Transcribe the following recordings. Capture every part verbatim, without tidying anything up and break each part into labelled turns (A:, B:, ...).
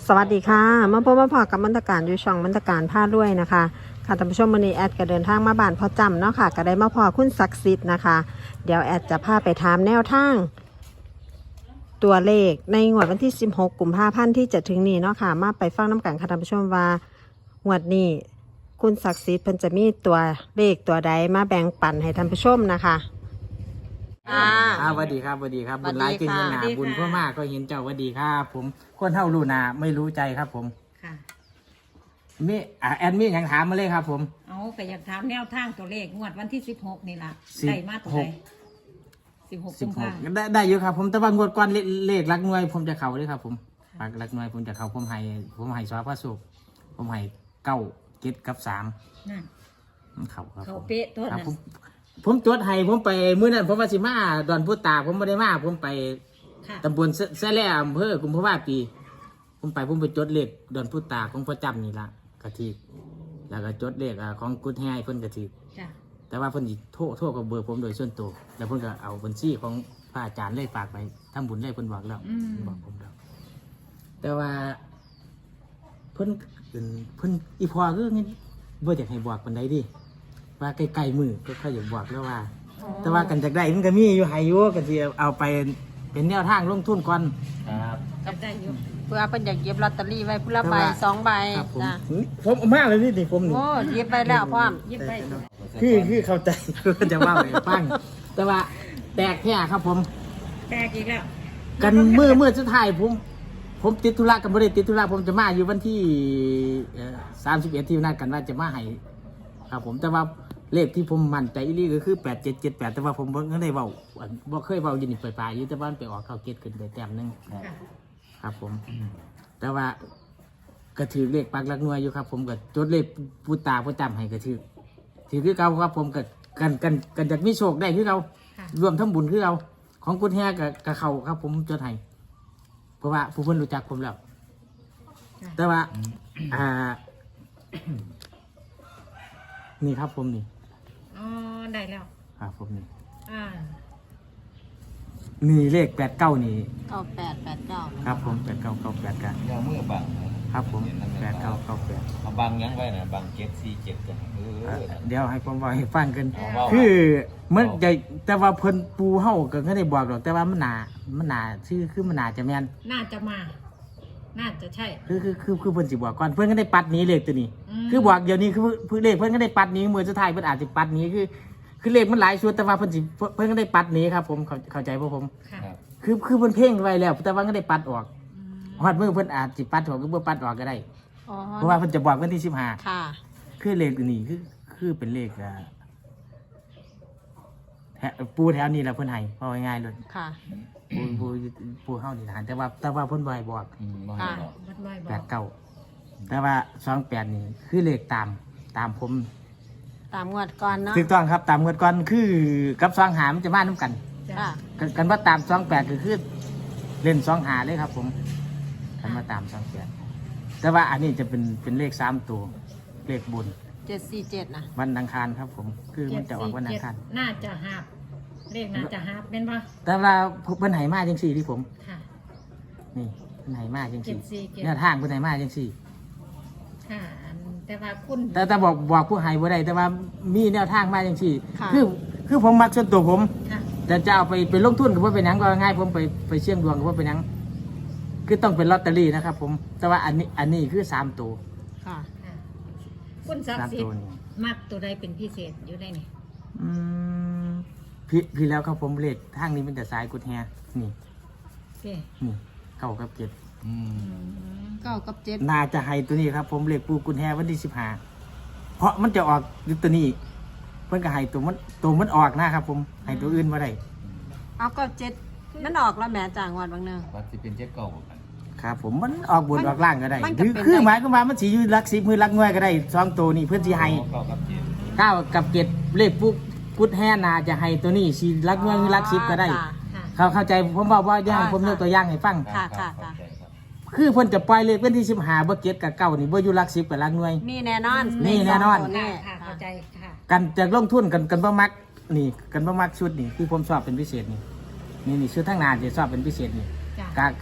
A: สวัสดีค่ะมาพบมาพอกับมรรการอยู่ช่องมรรการผ้าด้วยนะคะค่ะท่านผู้ชมวันนี้แอดก็เดินทางมาบ้านพ่อจำเนาะค่ะก็ได้มาพอคุณศักดิ์สิทธิ์นะคะเดี๋ยวแอดจะพาไปถามแนวทางตัวเลขในงวดวันที่สิบหกกุมภาพันธ์ที่จะถึงนี้เนาะค่ะมาไปฟังน้ำกันค่ะท่านผู้ชมว่างวดนี้คุณศักดิ์สิทธิ์เพิ่นจะมีตัวเลขตัวใดมาแบ่งปันให้ท่านผู้ชมนะคะอ่า
B: ครับสวัสดีครับสวัสดีครับ
A: สวั
B: บุ
A: ส
B: ญ
A: ดี
B: ร้ายกิน
A: ค่ะ
B: เงินหนาบุญเพื่อมากก็เห็นเจ้าสวัสดีครับ ผมคนเท่ารู้นาไม่รู้ใจครับ ผม
C: ค่ะ
B: มีอ่าแอดมินยังถามมาเลยครับ ผม
C: เอาก็อยากถามแนวทางตัวเลขงวดวันที่สิบหกนี่ล่ะ
B: สิบหก
C: ได้มาตัวใดสิบหก
B: สิ
C: กุ
B: บ
C: ม
B: ห
C: ภาก
B: ได้ได้เยอะครับ ผมแต่ว่างวดก่อนเลเลขรักหน่วย ผมจะเข่าเลยครับ ผมรักรักหน่วยผมจะเข่าผมให้ผมให้สวพระสุขผมให้เก้าเจ็ดกับสาม
C: นั่น
B: มันเข่าครับ
C: เขา
B: ผม
C: เป๊ะตัว
B: ครับ
C: นั้น
B: ผมผมจดให้ผมไปมื้อนั้นผมว่าสิมาดอนพุตาผมไม่ได้มาผมไป
C: ค่ะ
B: ตำบลแซ่แล่อำเภอกุมภาวะปี ผมไปผมไปจดเลขดอนพุตาของพ่อจำนี่ละกะทิแล้วก็จดเลขอ่าของกุดแฮเพิ่นกะทิ
C: จ้ะ
B: แต่ว่าเพิ่นสิโทรโทรกับเบอร์ผมโดยส่วนตัวแล้วเพิ่นก็เอาบัญชีของพระอาจารย์เลยฝากไปทำบุญเลยเพิ่นบอกแล้ว
C: อืม
B: บอกผมแล้วแต่ว่าเพิ่นเอิ่นเพิ่นอีพอคืองี้บ่อยากให้บอกปานใดดิว่าใกล้ๆมือก็ค่อยอยากบอกแล้วว่า แต่ว่ากันจากได้มันก็มีอยู่ให้อยู่ก็สิเอาไปเป็นแนวทางลงทุนก่อนครับ
C: ก็ได้อยู่
A: เพื่อเป็นอยากเก็บลอตเตอรี่ไว้ผู้ละใบ
B: แต่ว่า
A: สองใบ
B: ครับผม
A: นะ
B: ผมเอามากเลยนี่นี่ผมนี่
A: โอ้เก็บไปแล้วพร้อม
C: ยิบไป
B: คือคือเข้าใจ จะว่าให้ฟังแต่ว่าแตกแค่ครับผม
C: แตกอีกแล้ว
B: กันเมื่อเมื่อสุดท้ายผม ผมติดธุระกันบ่ได้ติดธุระผมจะมาอยู่วันที่สามสิบเอ็ดที่นัดกันว่าจะมาให้ครับผมแต่ว่าเลขที่ผมมั่นใจอีหลีก็คือแปดเจ็ดเจ็ดแปดแต่ว่าผมบ่ได้เว้าบ่เคยเว้าอยู่นี่ปลายๆอยู่แต่ว่ามันไปออกเข้าเกตขึ้นไปแต้มหนึง
C: ค่ะ
B: ครับผม แต่ว่าก็ถือเลขปักหลักหน่วยอยู่ครับ ผมก็จดเลขปูตาปูจำให้ก็ถือถือคือเก่าครับ ผมก็กันกันกันจากมีโชคได้คือเรา
C: ค่ะ
B: รวมทั้งบุญคือเราของกุญแฮกับกับเขาครับ ผมจดให้เพราะว่าผู้เพิ่นรู้จักผมแล้ว
C: ค่ะ
B: แต่ว่า อ่า นี่ครับผมนี่
C: อ๋อได้แล้ว
B: ครับผมนี่
C: อ่า
B: นี่เลขแปดเก้านี่
A: เก้าแปดแปดเก้า
B: ครับ ผมแปดเก้าเก้าแปดกัน
D: ยามือบังนะครับ
B: ผมแปดเก้าเก้าแปด
D: เอาบังยังไว้นะบังเจ็ดสี่เจ็ดจ้ะเออ
B: เดี๋ยวให้ผมบอกให้ฟังกัน
D: เอาเว้า
B: คือมันใหญ่แต่ว่าเพิ่นปูเฮาก็ไม่ได้บอกหรอกแต่ว่ามันหนามันหนาชื่อคือมันหนาจะแม่น
C: น่าจะมา น่าจะใช่
B: คือคือคือคือเพิ่นสิบอกก่อนเพิ่นก็ได้ปัดหนี้เลขตัวนี้
C: อืม
B: คือบอกเดี๋ยวนี้คือเพิ่นเลขเพิ่นก็ได้ปัดหนี้มือสุดท้ายเพิ่นอาจสิปัดหนี้คือ คือเลขมันหลายชุดแต่ว่าเพิ่นสิเพิ่นก็ได้ปัดหนี้ครับ ผมเข้าเข้าใจบ่ผม
C: ค่ะ
D: ครับ
B: คือคือเพิ่นเพ่งไว้แล้ว แต่ว่าก็ได้ปัดออก
C: อืม
B: ฮอดมือเพิ่นอาจสิปัดออกหรือบ่ปัดออกก็ได้
A: อ๋อ
B: เพราะว่าเพิ่นจะบอกวันที่สิบห้า
A: ค่ะ
B: คือเลขตัวนี้คือคือเป็นเลขอ่าแถวปูแถวนี้แหละเพิ่นให้เอาง่ายๆเลย
A: ค่ะ
B: ปูปูปูเฮานี่ทหารแต่ว่าแต่ว่าเพิ่นบ่ให้บอก
D: อืมบ่ให้บอก
C: บัดน้อยบ
B: แป
C: อ
B: ด
C: ก
B: เก้าแต่ว่าสองแปดนี่คือเลขตามตามผม
A: ตามงวดก่อนเนาะ
B: ถูกต้องครับตามเงินก่อนคือกับสองหามันจะมาน้ำกัน
C: จ้ะ
A: ค่ะ
B: กันกันว่าตามสองแปดคือคือเล่นสองหาเลยครับ ผมกันว่าตามสองแปดแต่ว่าอันนี้จะเป็นเป็นเลขสามตัวเลขบุญ
A: เจ็ดสี่เจ็ดนะ
B: วันอังคารครับ ผม คือมันจะออกวันอังคาร
C: น่าจะหาบเลขน่าจะหาบเป็นปะ
B: แต่ว่าเพิ่นไหมาจังสี่ที่ผม
C: ค่ะ
B: นี่เพิ่นไหมาจังสี่
C: เจ็ดสี่เจ็ด
B: แนวทางเพิ่นไหมาจังสี่
C: ค่ะอันแต่ว่าคุณ
B: แต่แต่บอกบอกผู้ให้บ่ได้แต่ว่ามีแนวทางมาจังสี่
A: ค่ะ
B: คือคือผมมักส่วนตัวผม
C: ค่ะ
B: แต่จะเอาไปไปลงทุนกับว่าเป็นหยังก็ง่ายผมไปไปเสี่ยงดวงกับว่าเป็นหยังคือต้องเป็นลอตเตอรี่นะครับ ผม แต่ว่าอันนี้อันนี้คือสามตัว
A: ค่ะ
C: ค่ะคุณศัก
B: สาม
C: ดิ์สิท
B: ตัว
C: ธิ์
B: นี่
C: มักตัวใดเป็นพิเศษอยู่ได้นี่
B: อืมพี่พี่แล้วครับผมเลขทางนี้เป็นแต่สายกุดแฮนี่
C: โอเค
B: นี่เก้ากับเจ็ด
D: อืม
A: เก้ากับเจ็ด
B: น่าจะให้ตัวนี้ครับ ผมเลขปูกุดแฮวันที่สิบห้าเพราะมันจะออกอยู่ตัวนี้ เพิ่นก็ให้ตัวมันตัวมันออกนะครับ ผมให้ตัวอื่นมาได้
A: เอาก็เจ็ดมันออกแล้วแหม่จ่างวันบางเนือง
D: วัดสิเป็นเจ็ดเก้าบ่กัน
B: ครับ ผมมันออกบน
A: มัน
B: ออกล่างก็ได้
A: มัน
B: ห
A: ก็
B: รือ
A: เป็น
B: คือ
A: ได้
B: หมายก็ว่ามันสีอยู่หลักสิบมือหลักหน่วยก็ได้สองตัวนี่เพื่อนสีให้
D: เก้ากับเจ็ด
B: เก้ากับเจ็ดเลขปุ๊กกุดแห่นาจะให้ตัวนี้สีรักเงินรักสิบก็ได้
A: ค่ะ
C: ค่ะ
B: เขาเข้าใจผมบอกว่าย่าง
A: ค่ะ
B: ผมยกตัวอย่างให้ฟัง
A: ค่ะ
D: รับ
A: ค่ะ
D: เข้าใจครับ
B: คือเพิ่นจะปล่อยเลขเป็นที่สิบห้าบ่เก็ดกับเก้านี่บ่อยู่รักสิบกับรักหน่วย
A: มีแน่นอน
B: มีแน่นอน
A: เลขสงตัว
C: ค่ะ
A: นี่
C: ค่ะเข้าใจค่ะ
B: กันจะลงทุนกันกันบ่มักนี่กันบ่มักชุดนี่ที่ผมชอบเป็นพิเศษนี่นี่นี่ชุดทั้งหนาจะชอบเป็นพิเศษนี่
C: จ้ะ
B: กะกะให้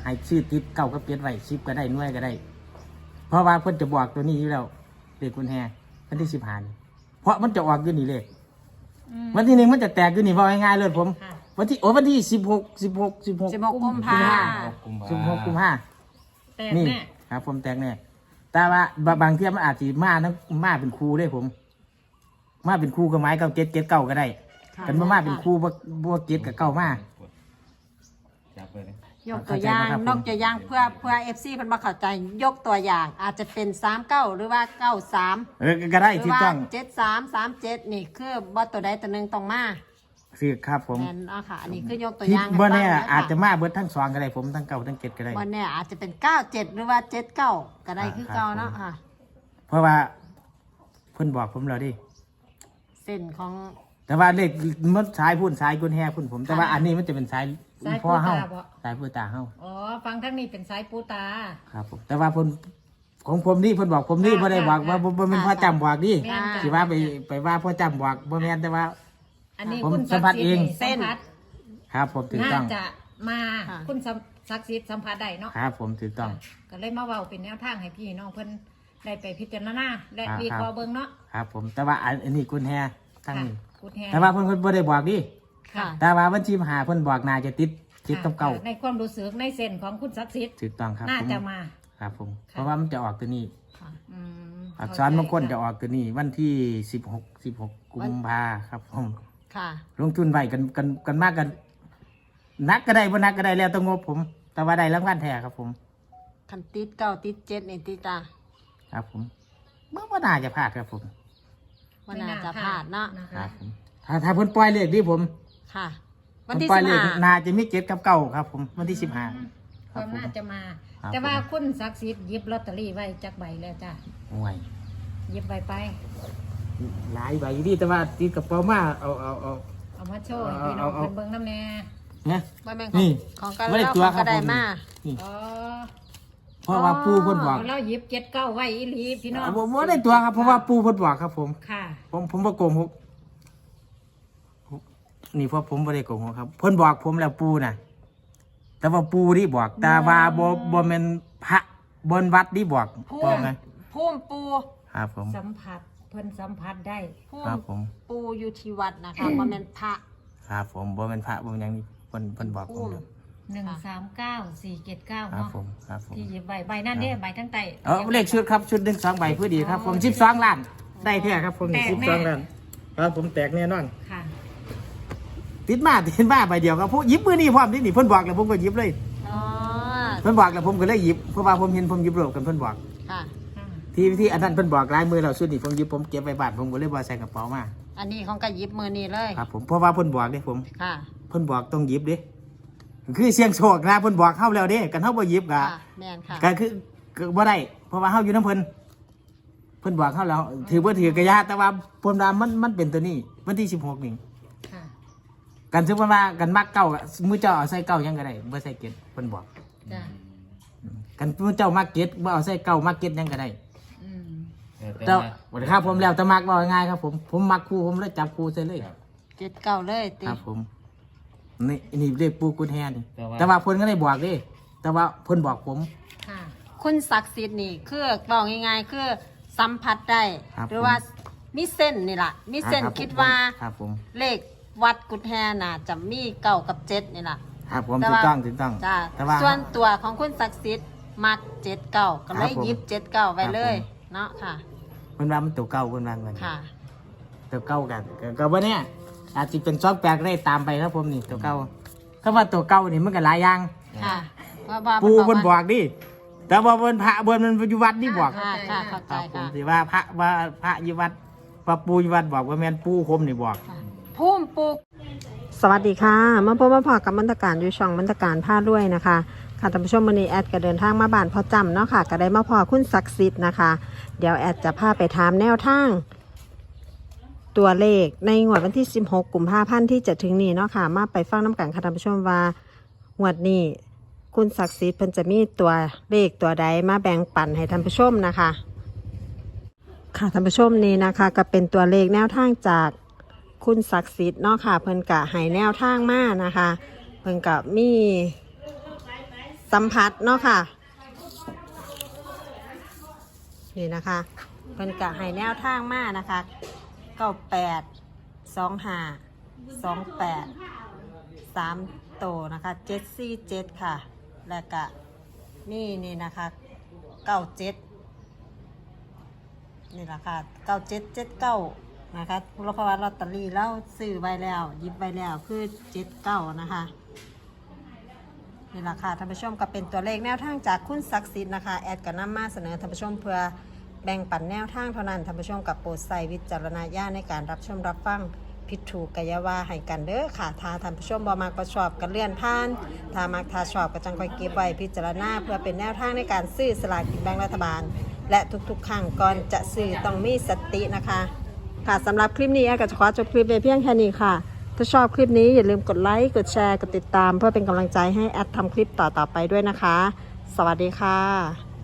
B: ให้ชื่อติดเก้ากับเจ็ดไว้สิบก็ได้หน่วยก็ได้ เพราะว่าเพิ่นจะบอกตัวนี้อยู่แล้วเลขกุญแจวันที่สิบห้านี่เพราะมันจะออกอยู่นี่เลข
C: อืม
B: วันที่หนึ่งมันจะแตกอยู่นี่ว่าง่ายๆเลยผม
C: ค่ะ
B: วันที่โอ้วันที่สิบหกสิบหกสิบหก
A: สิบหกกุมภา
D: กุมภา
B: สิบหกกุมภา
C: แต่
B: นี่
C: แม่
B: ครับผมแตกแน่แต่ว่าบางบางเที่ยมันอาจจะมาทั้งมาเป็นครูได้ผม มาเป็นครูกับไม้เก้าเจ็ดเจ็ดเก้าก็ได้กันมามาเป็นครูบ่บ่เจ็ดกับเก้ามา
D: จับไปเลย
A: ยกตัวอย่าง
B: เข้าใจไหมครับผม
A: นอกตัวอย่างเพื่อเพื่อเอฟซีเพิ่นมาเข้าใจยกตัวอย่าง อาจจะเป็นสามเก้าหรือว่าเก้าสาม
B: เออก็ได้
A: หรือ
B: ที่
A: ว่า
B: ต้อง
A: เจ็ดสามสามเจ็ดนี่คือบ่ตัวใดตัวหนึ่งต้องมา
B: คือครับผม
A: แม่นเนาะค่ะ อันนี้คือยกตัว
B: ที่
A: อย่างให้
B: บ่
A: ฟัง
B: แน่
A: เด้
B: อาจจะ
A: ค่ะ
B: มาเบิดทั้งสองก็ได้ผมทั้งเก้าทั้งเจ็ดก็ได้
A: บ่แน่อาจจะเป็นเก้าเจ็ดหรือว่าเจ็ดเก้าก็ได้คือเก่าเนาะค่ะ
B: เพราะว่าเพิ่นบอกผมแล้วดิ
A: เส้นของ
B: แต่ว่าเลขมันสายพุ่นสายกุญแฮพุ่นผม แต่ว่าอันนี้มันจะเป็นสาย
C: สาย
B: พ่อ
C: ปู
B: เฮา
C: ตาบ่
B: สายพ่อตาเฮา
C: อ๋อฟังทั้งนี้เป็นสายปูตา
B: ครับผมแต่ว่าเพิ่นของผมนี่เพิ่นบอกผมนี่
C: ค่ะ
B: บ่ได้บอก
C: ค่ะ
B: ว่าบ่บ่แม่นพ่อจำบอกดิ
C: แม่นจ้ะ
B: สิว่าไปไปว่าพ่อจำบอกบ่แม่นแต่ว่า
C: อันนี้
B: ผม
C: คุณ
B: สัมผัสเอง
C: สัมผัส
B: ครับผมถูก
C: น่า
B: ต้อง
C: จะมา
A: ค่ะ
C: คุณศักดิ์สิทธิ์สัมผัสได้เนาะ
B: ครับผมถูกต้อง
C: ก็เลยมาเว้าเป็นแนวทางให้พี่น้องเพิ่นได้ไปพิจารณาและ
B: ครับ
C: วิเคราะห์เบิ่งเนาะ
B: ครับผมแต่ว่าอันอันนี้กุญแฮทั้ง
C: ค่ะ
B: นี้
C: กูแทน
B: แต่ว่าเพิ่นเพิ่นบ่ได้บอกดิ
A: ค่ะ
B: แต่ว่าวันที่มาหาเพิ่นบอกน่าจะติดติดกับเก่า
C: ในความรู้สึกในเส้นของคุณศักดิ์สิทธิ์
B: ถูกต้องครับ
C: น่า
B: ผม
C: จะมา
B: ครับผม
C: ค่ะ
B: เพราะว่ามันจะออกตัวนี้
C: อืม
B: อักษรมงคลจะออกตัวนี้ วันที่สิบหก สิบหกกุมภาครับผม
A: ค่ะ
B: ลงทุนไว้กันกันกันมากกันนักก็ได้บ่นักก็ได้แล้วต้องงบผม แต่ว่าได้รางวัลแท้ครับผม
A: คันติดเก้าติดเจ็ดนี่ติดตา
B: ครับผมเมื่อว่าน่าจะพลาดครับผม
A: ว่าน่าจะพลาดเนาะ
C: นะ
B: ครั
C: คะ
B: บผมถ้าถ้าเพิ่นปล่อยเลขที่ผม
A: ค่ะ
B: ผ
A: วัน
B: ม
A: ที่
B: ปล่อ
A: สิ
B: ย
A: บ
B: เลข
A: ห้า
B: น่าจะมีเจ็ดกับเก้าครับ ผมวันที่สิบห้า
C: ค วาม
B: ครับผม
C: น่าจะมา
B: ครับ
C: แต่ว่าคุณศักดิ์สิทธิ์หยิบลอตเตอรี่ไว้จักใบแล้วจ้ะ
B: โอ้ย
C: หยิบไว้ไป
B: หลายใบอยู่ดีแต่ว่าติดกระเป๋ามาเอาเอาเอา
C: เอามาโชว์ให้พี่น้อง
B: เอาเอา
C: เพิ่นเบิ่งน้ำแน่
B: เนี่ย
A: ว่าแม่ง
B: นี่
A: ของของกระ
B: ไม่ได้
A: เล่า
B: ตัว
A: ของ
B: ครั
A: ก
B: บ
A: ระได
B: ผม
A: มา
B: นี่
C: อ๋อ
B: เพราะว่าปูเพิ่นบอก
C: เอาเราหยิบเจ็ดเก้าไว้อีหลีพี่น้อง
B: ผมว่าได้ตัวครับเพราะว่าปูเพิ่นบอกครับผม
C: ค่ะ
B: ผมผมบ่โกงผมนี่เพราะผมบ่ได้โกงครับ เพิ่นบอกผมแล้วปูน่ะ แต่ว่าปูที่บอกแต่ว่าบ่บ่แม่นพระบนวัดที่บอก
A: พุ่
B: บอก
A: ม
B: ไง
A: พุ่มปู
B: ครับผม
C: สัมผัสเพิ่นสัมผัสได้
A: พุ่
B: ครั
A: ม
B: บผม
A: ปูอยู่ที่วัดนะคะว่าแม่นพระ
B: ครับผมบ่แม่นพระบ่แม่นหยังนี่เพิ่นเพิ่นบอกผมครับ
C: หนึ่งสามเก้าสี่เจ็ดเก้า
B: ครับ
C: เนาะ
B: ผมครับผม
C: ที่หยิบใบใบนั่นเด้ใบทั้งไต
B: เออเลขชุดครับชุดหนึ่งสองใบพอดีครับผมสิบสองล้าน ได้แท้ครับผม
C: แตก
B: สิบ
C: แน่
B: สองล้านครับผมแตกแน่นอน
C: ค่ะ
B: ติดมาติดมาใบเดียวครับผู้หยิบมือนี่พร้อมนี่นี่เพิ่นบอกแล้วผมก็หยิบเลย
A: อ๋อ
B: เพิ่นบอกแล้วผมก็เลยหยิบเพราะว่าผมเห็นผมหยิบรวบกันเพิ่นบอก
A: ค่ะ
C: ค่ะ
B: ที่ที่อันนั้นเพิ่นบอกลายมือเราสุดนี่ผมหยิบผมเก็บไว้บ้านผมก็เลยบ่ใส่กระเป๋ามา
A: อันนี้ของกระยิบมือนี่เลย
B: ครับผมเพราะว่าเพิ่นบอกเด้ผม
A: ค่ะ
B: เพิ่นบอกต้องหยิบเด้คือเสียงโชคนะเพิ่นบอกเฮาแล้วเด้กันเฮาบ่หยิบก็
A: ค่ะแม่นค่ะ
B: ก็คือก็บ่ได้เพราะว่าเฮาอยู่นํเพิ่นเพิ่นบอกเฮาแล้วถือบ่ถือกระยาแต่ว่าเพิ่นว่ามันมันเป็นตัวนี้วันที่สิบหกนี่
C: ค่ะ
B: กันซึ่งว่ากันมักเก่าอะมือเจ้าเอาใส่เก่ายังก็ได้บ่ใส่เก็ดเพิ่นบอก
C: จ้ะ
B: กันมือเจ้ามักเก็ดบ่เอาใส่เก่ามักเก็ดยังก็ได้
C: อืม
D: แต่
B: เจ้า
D: มา
B: สวัสดีครับผมแล้วแต่มักบ่ง่ายครับผมผมมักครูผมเลยจับครูใส่เลย
D: ครับ
A: เจ็ดเก้าเลยติ
B: ครับผมนี่นี่เรียกปูกุญแฮนี่
D: แต่ว่า
B: แต่ว่าเพิ่นก็ได้บอกเด้แต่ว่าเพิ่นบอกผม
C: ค่ะ
A: คุณศักดิ์สิทธิ์นี่คือบอกง่ายๆคือสัมผัสได้
B: ครับ
A: หรือว่ามีเส้นนี่ล่ะ มีเส้น
B: อ่ารับ
A: คิดว่า
B: ครับผม
A: เลขวัดกุฎแฮน่ะจะมีเก้ากับเจ็ดนี่ล่ะ
B: ครับผม
A: แต่
B: ถู
A: ว่า
B: กต้องถูกต้อง
A: จ้า
B: แต่ว่า
A: ส่วนตัวของคุณศักดิ์สิทธิ์มักเจ็ดเก้าก็เล
B: ครั
A: ย
B: บผม
A: หยิบเจ็ดเก้าไว้เลย
B: ครับผม
A: เนาะค่ะ
B: เพิ่นว่ามันตัวเก่าเพิ่นว่าเงิน
A: ค่ะ
B: ตัวเก่ากันก็ก็บ่เนี่ยอาจสิเป็นซอกแปลกได้ตามไปครับผมนี่ตัวเก่าคำว่าตัวเก่านี่มันก็หลายอย่าง
A: ค่ะว่าว่า
B: ปูเพิ่นบอ
A: ว่าก
B: ดิแต่ว่าเพิ่นพระเพิ่นมันอยู่วัดนี่บอก
A: ค่ะค่ะเข้า
B: ค
A: ใจ
B: รับผม
A: ค่ะ
B: สิว่าพระว่าพระอยู่วัดว่าปูอยู่วัดบอกว่าแม่นปูคมนี่บอก
A: พุ่มปูสวัสดีค่ะมาพบมาพอกับมันตการอยู่ช่องมันตการผ้าด้วยนะคะค่ะท่านผู้ชมวันนี้แอดก็เดินทางมาบ้านพ่อจำเนาะค่ะก็ได้มาพอคุณศักดิ์สิทธิ์นะคะ เดี๋ยวแอดจะพาไปถามแนวทาง ตัวเลขในงวดวันที่สิบหกกุมภาพันธ์ที่จะถึงนี้เนาะค่ะมาไปฟังน้ำกันค่ะท่านผู้ชมว่างวดนี้คุณศักดิ์สิทธิ์เพิ่นจะมีตัวเลขตัวใดมาแบ่งปันให้ท่านผู้ชมนะคะ ค่ะท่านผู้ชมนี่นะคะก็เป็นตัวเลขแนวทางจากคุณศักดิ์สิทธิ์เนาะค่ะเพิ่นกะให้แนวทางมานะคะ เพิ่นกะมีสัมผัสเนาะค่ะนี่นะคะเพิ่นกะให้แนวทางมานะคะเก้าแปดสองห้าสองแปดสามโตนะคะเจ็ดสี่เจ็ดค่ะแล้วก็นี่นี่นะคะเก้าเจ็ดนี่แหละค่ะเก้าเจ็ดเจ็ดเก้านะคะเพราะว่าลอตเตอรี่แล้วซื้อไว้แล้วหยิบไว้แล้วคือเจ็ดเก้านะคะนี่แหละค่ะท่านผู้ชมก็เป็นตัวเลขแนวทางจากคุณศักดิ์สิทธิ์นะคะแอดก็นำมาเสนอท่านผู้ชมเพื่อแบ่งปันแนวทางเท่านั้นท่านผู้ชมกับโปรดใส่วิจารณญาณในการรับชมรับฟังผิดถูกกายาว่าให้กันเด้อค่ะถ้าท่านผู้ชมบ่มักบ่ชอบก็เลื่อนผ่านถ้ามักถ้าชอบก็จังค่อยเก็บไว้พิจารณาเพื่อเป็นแนวทางในการซื้อสลากกินแบ่งรัฐบาลและทุกๆครั้งก่อนจะซื้อต้องมีสตินะคะค่ะสำหรับคลิปนี้แอดก็จะขอจบคลิปไว้เพียงแค่นี้ค่ะถ้าชอบคลิปนี้อย่าลืมกดไลค์กดแชร์กดติดตามเพื่อเป็นกำลังใจให้แอดทำคลิปต่อๆไปด้วยนะคะสวัสดีค่ะ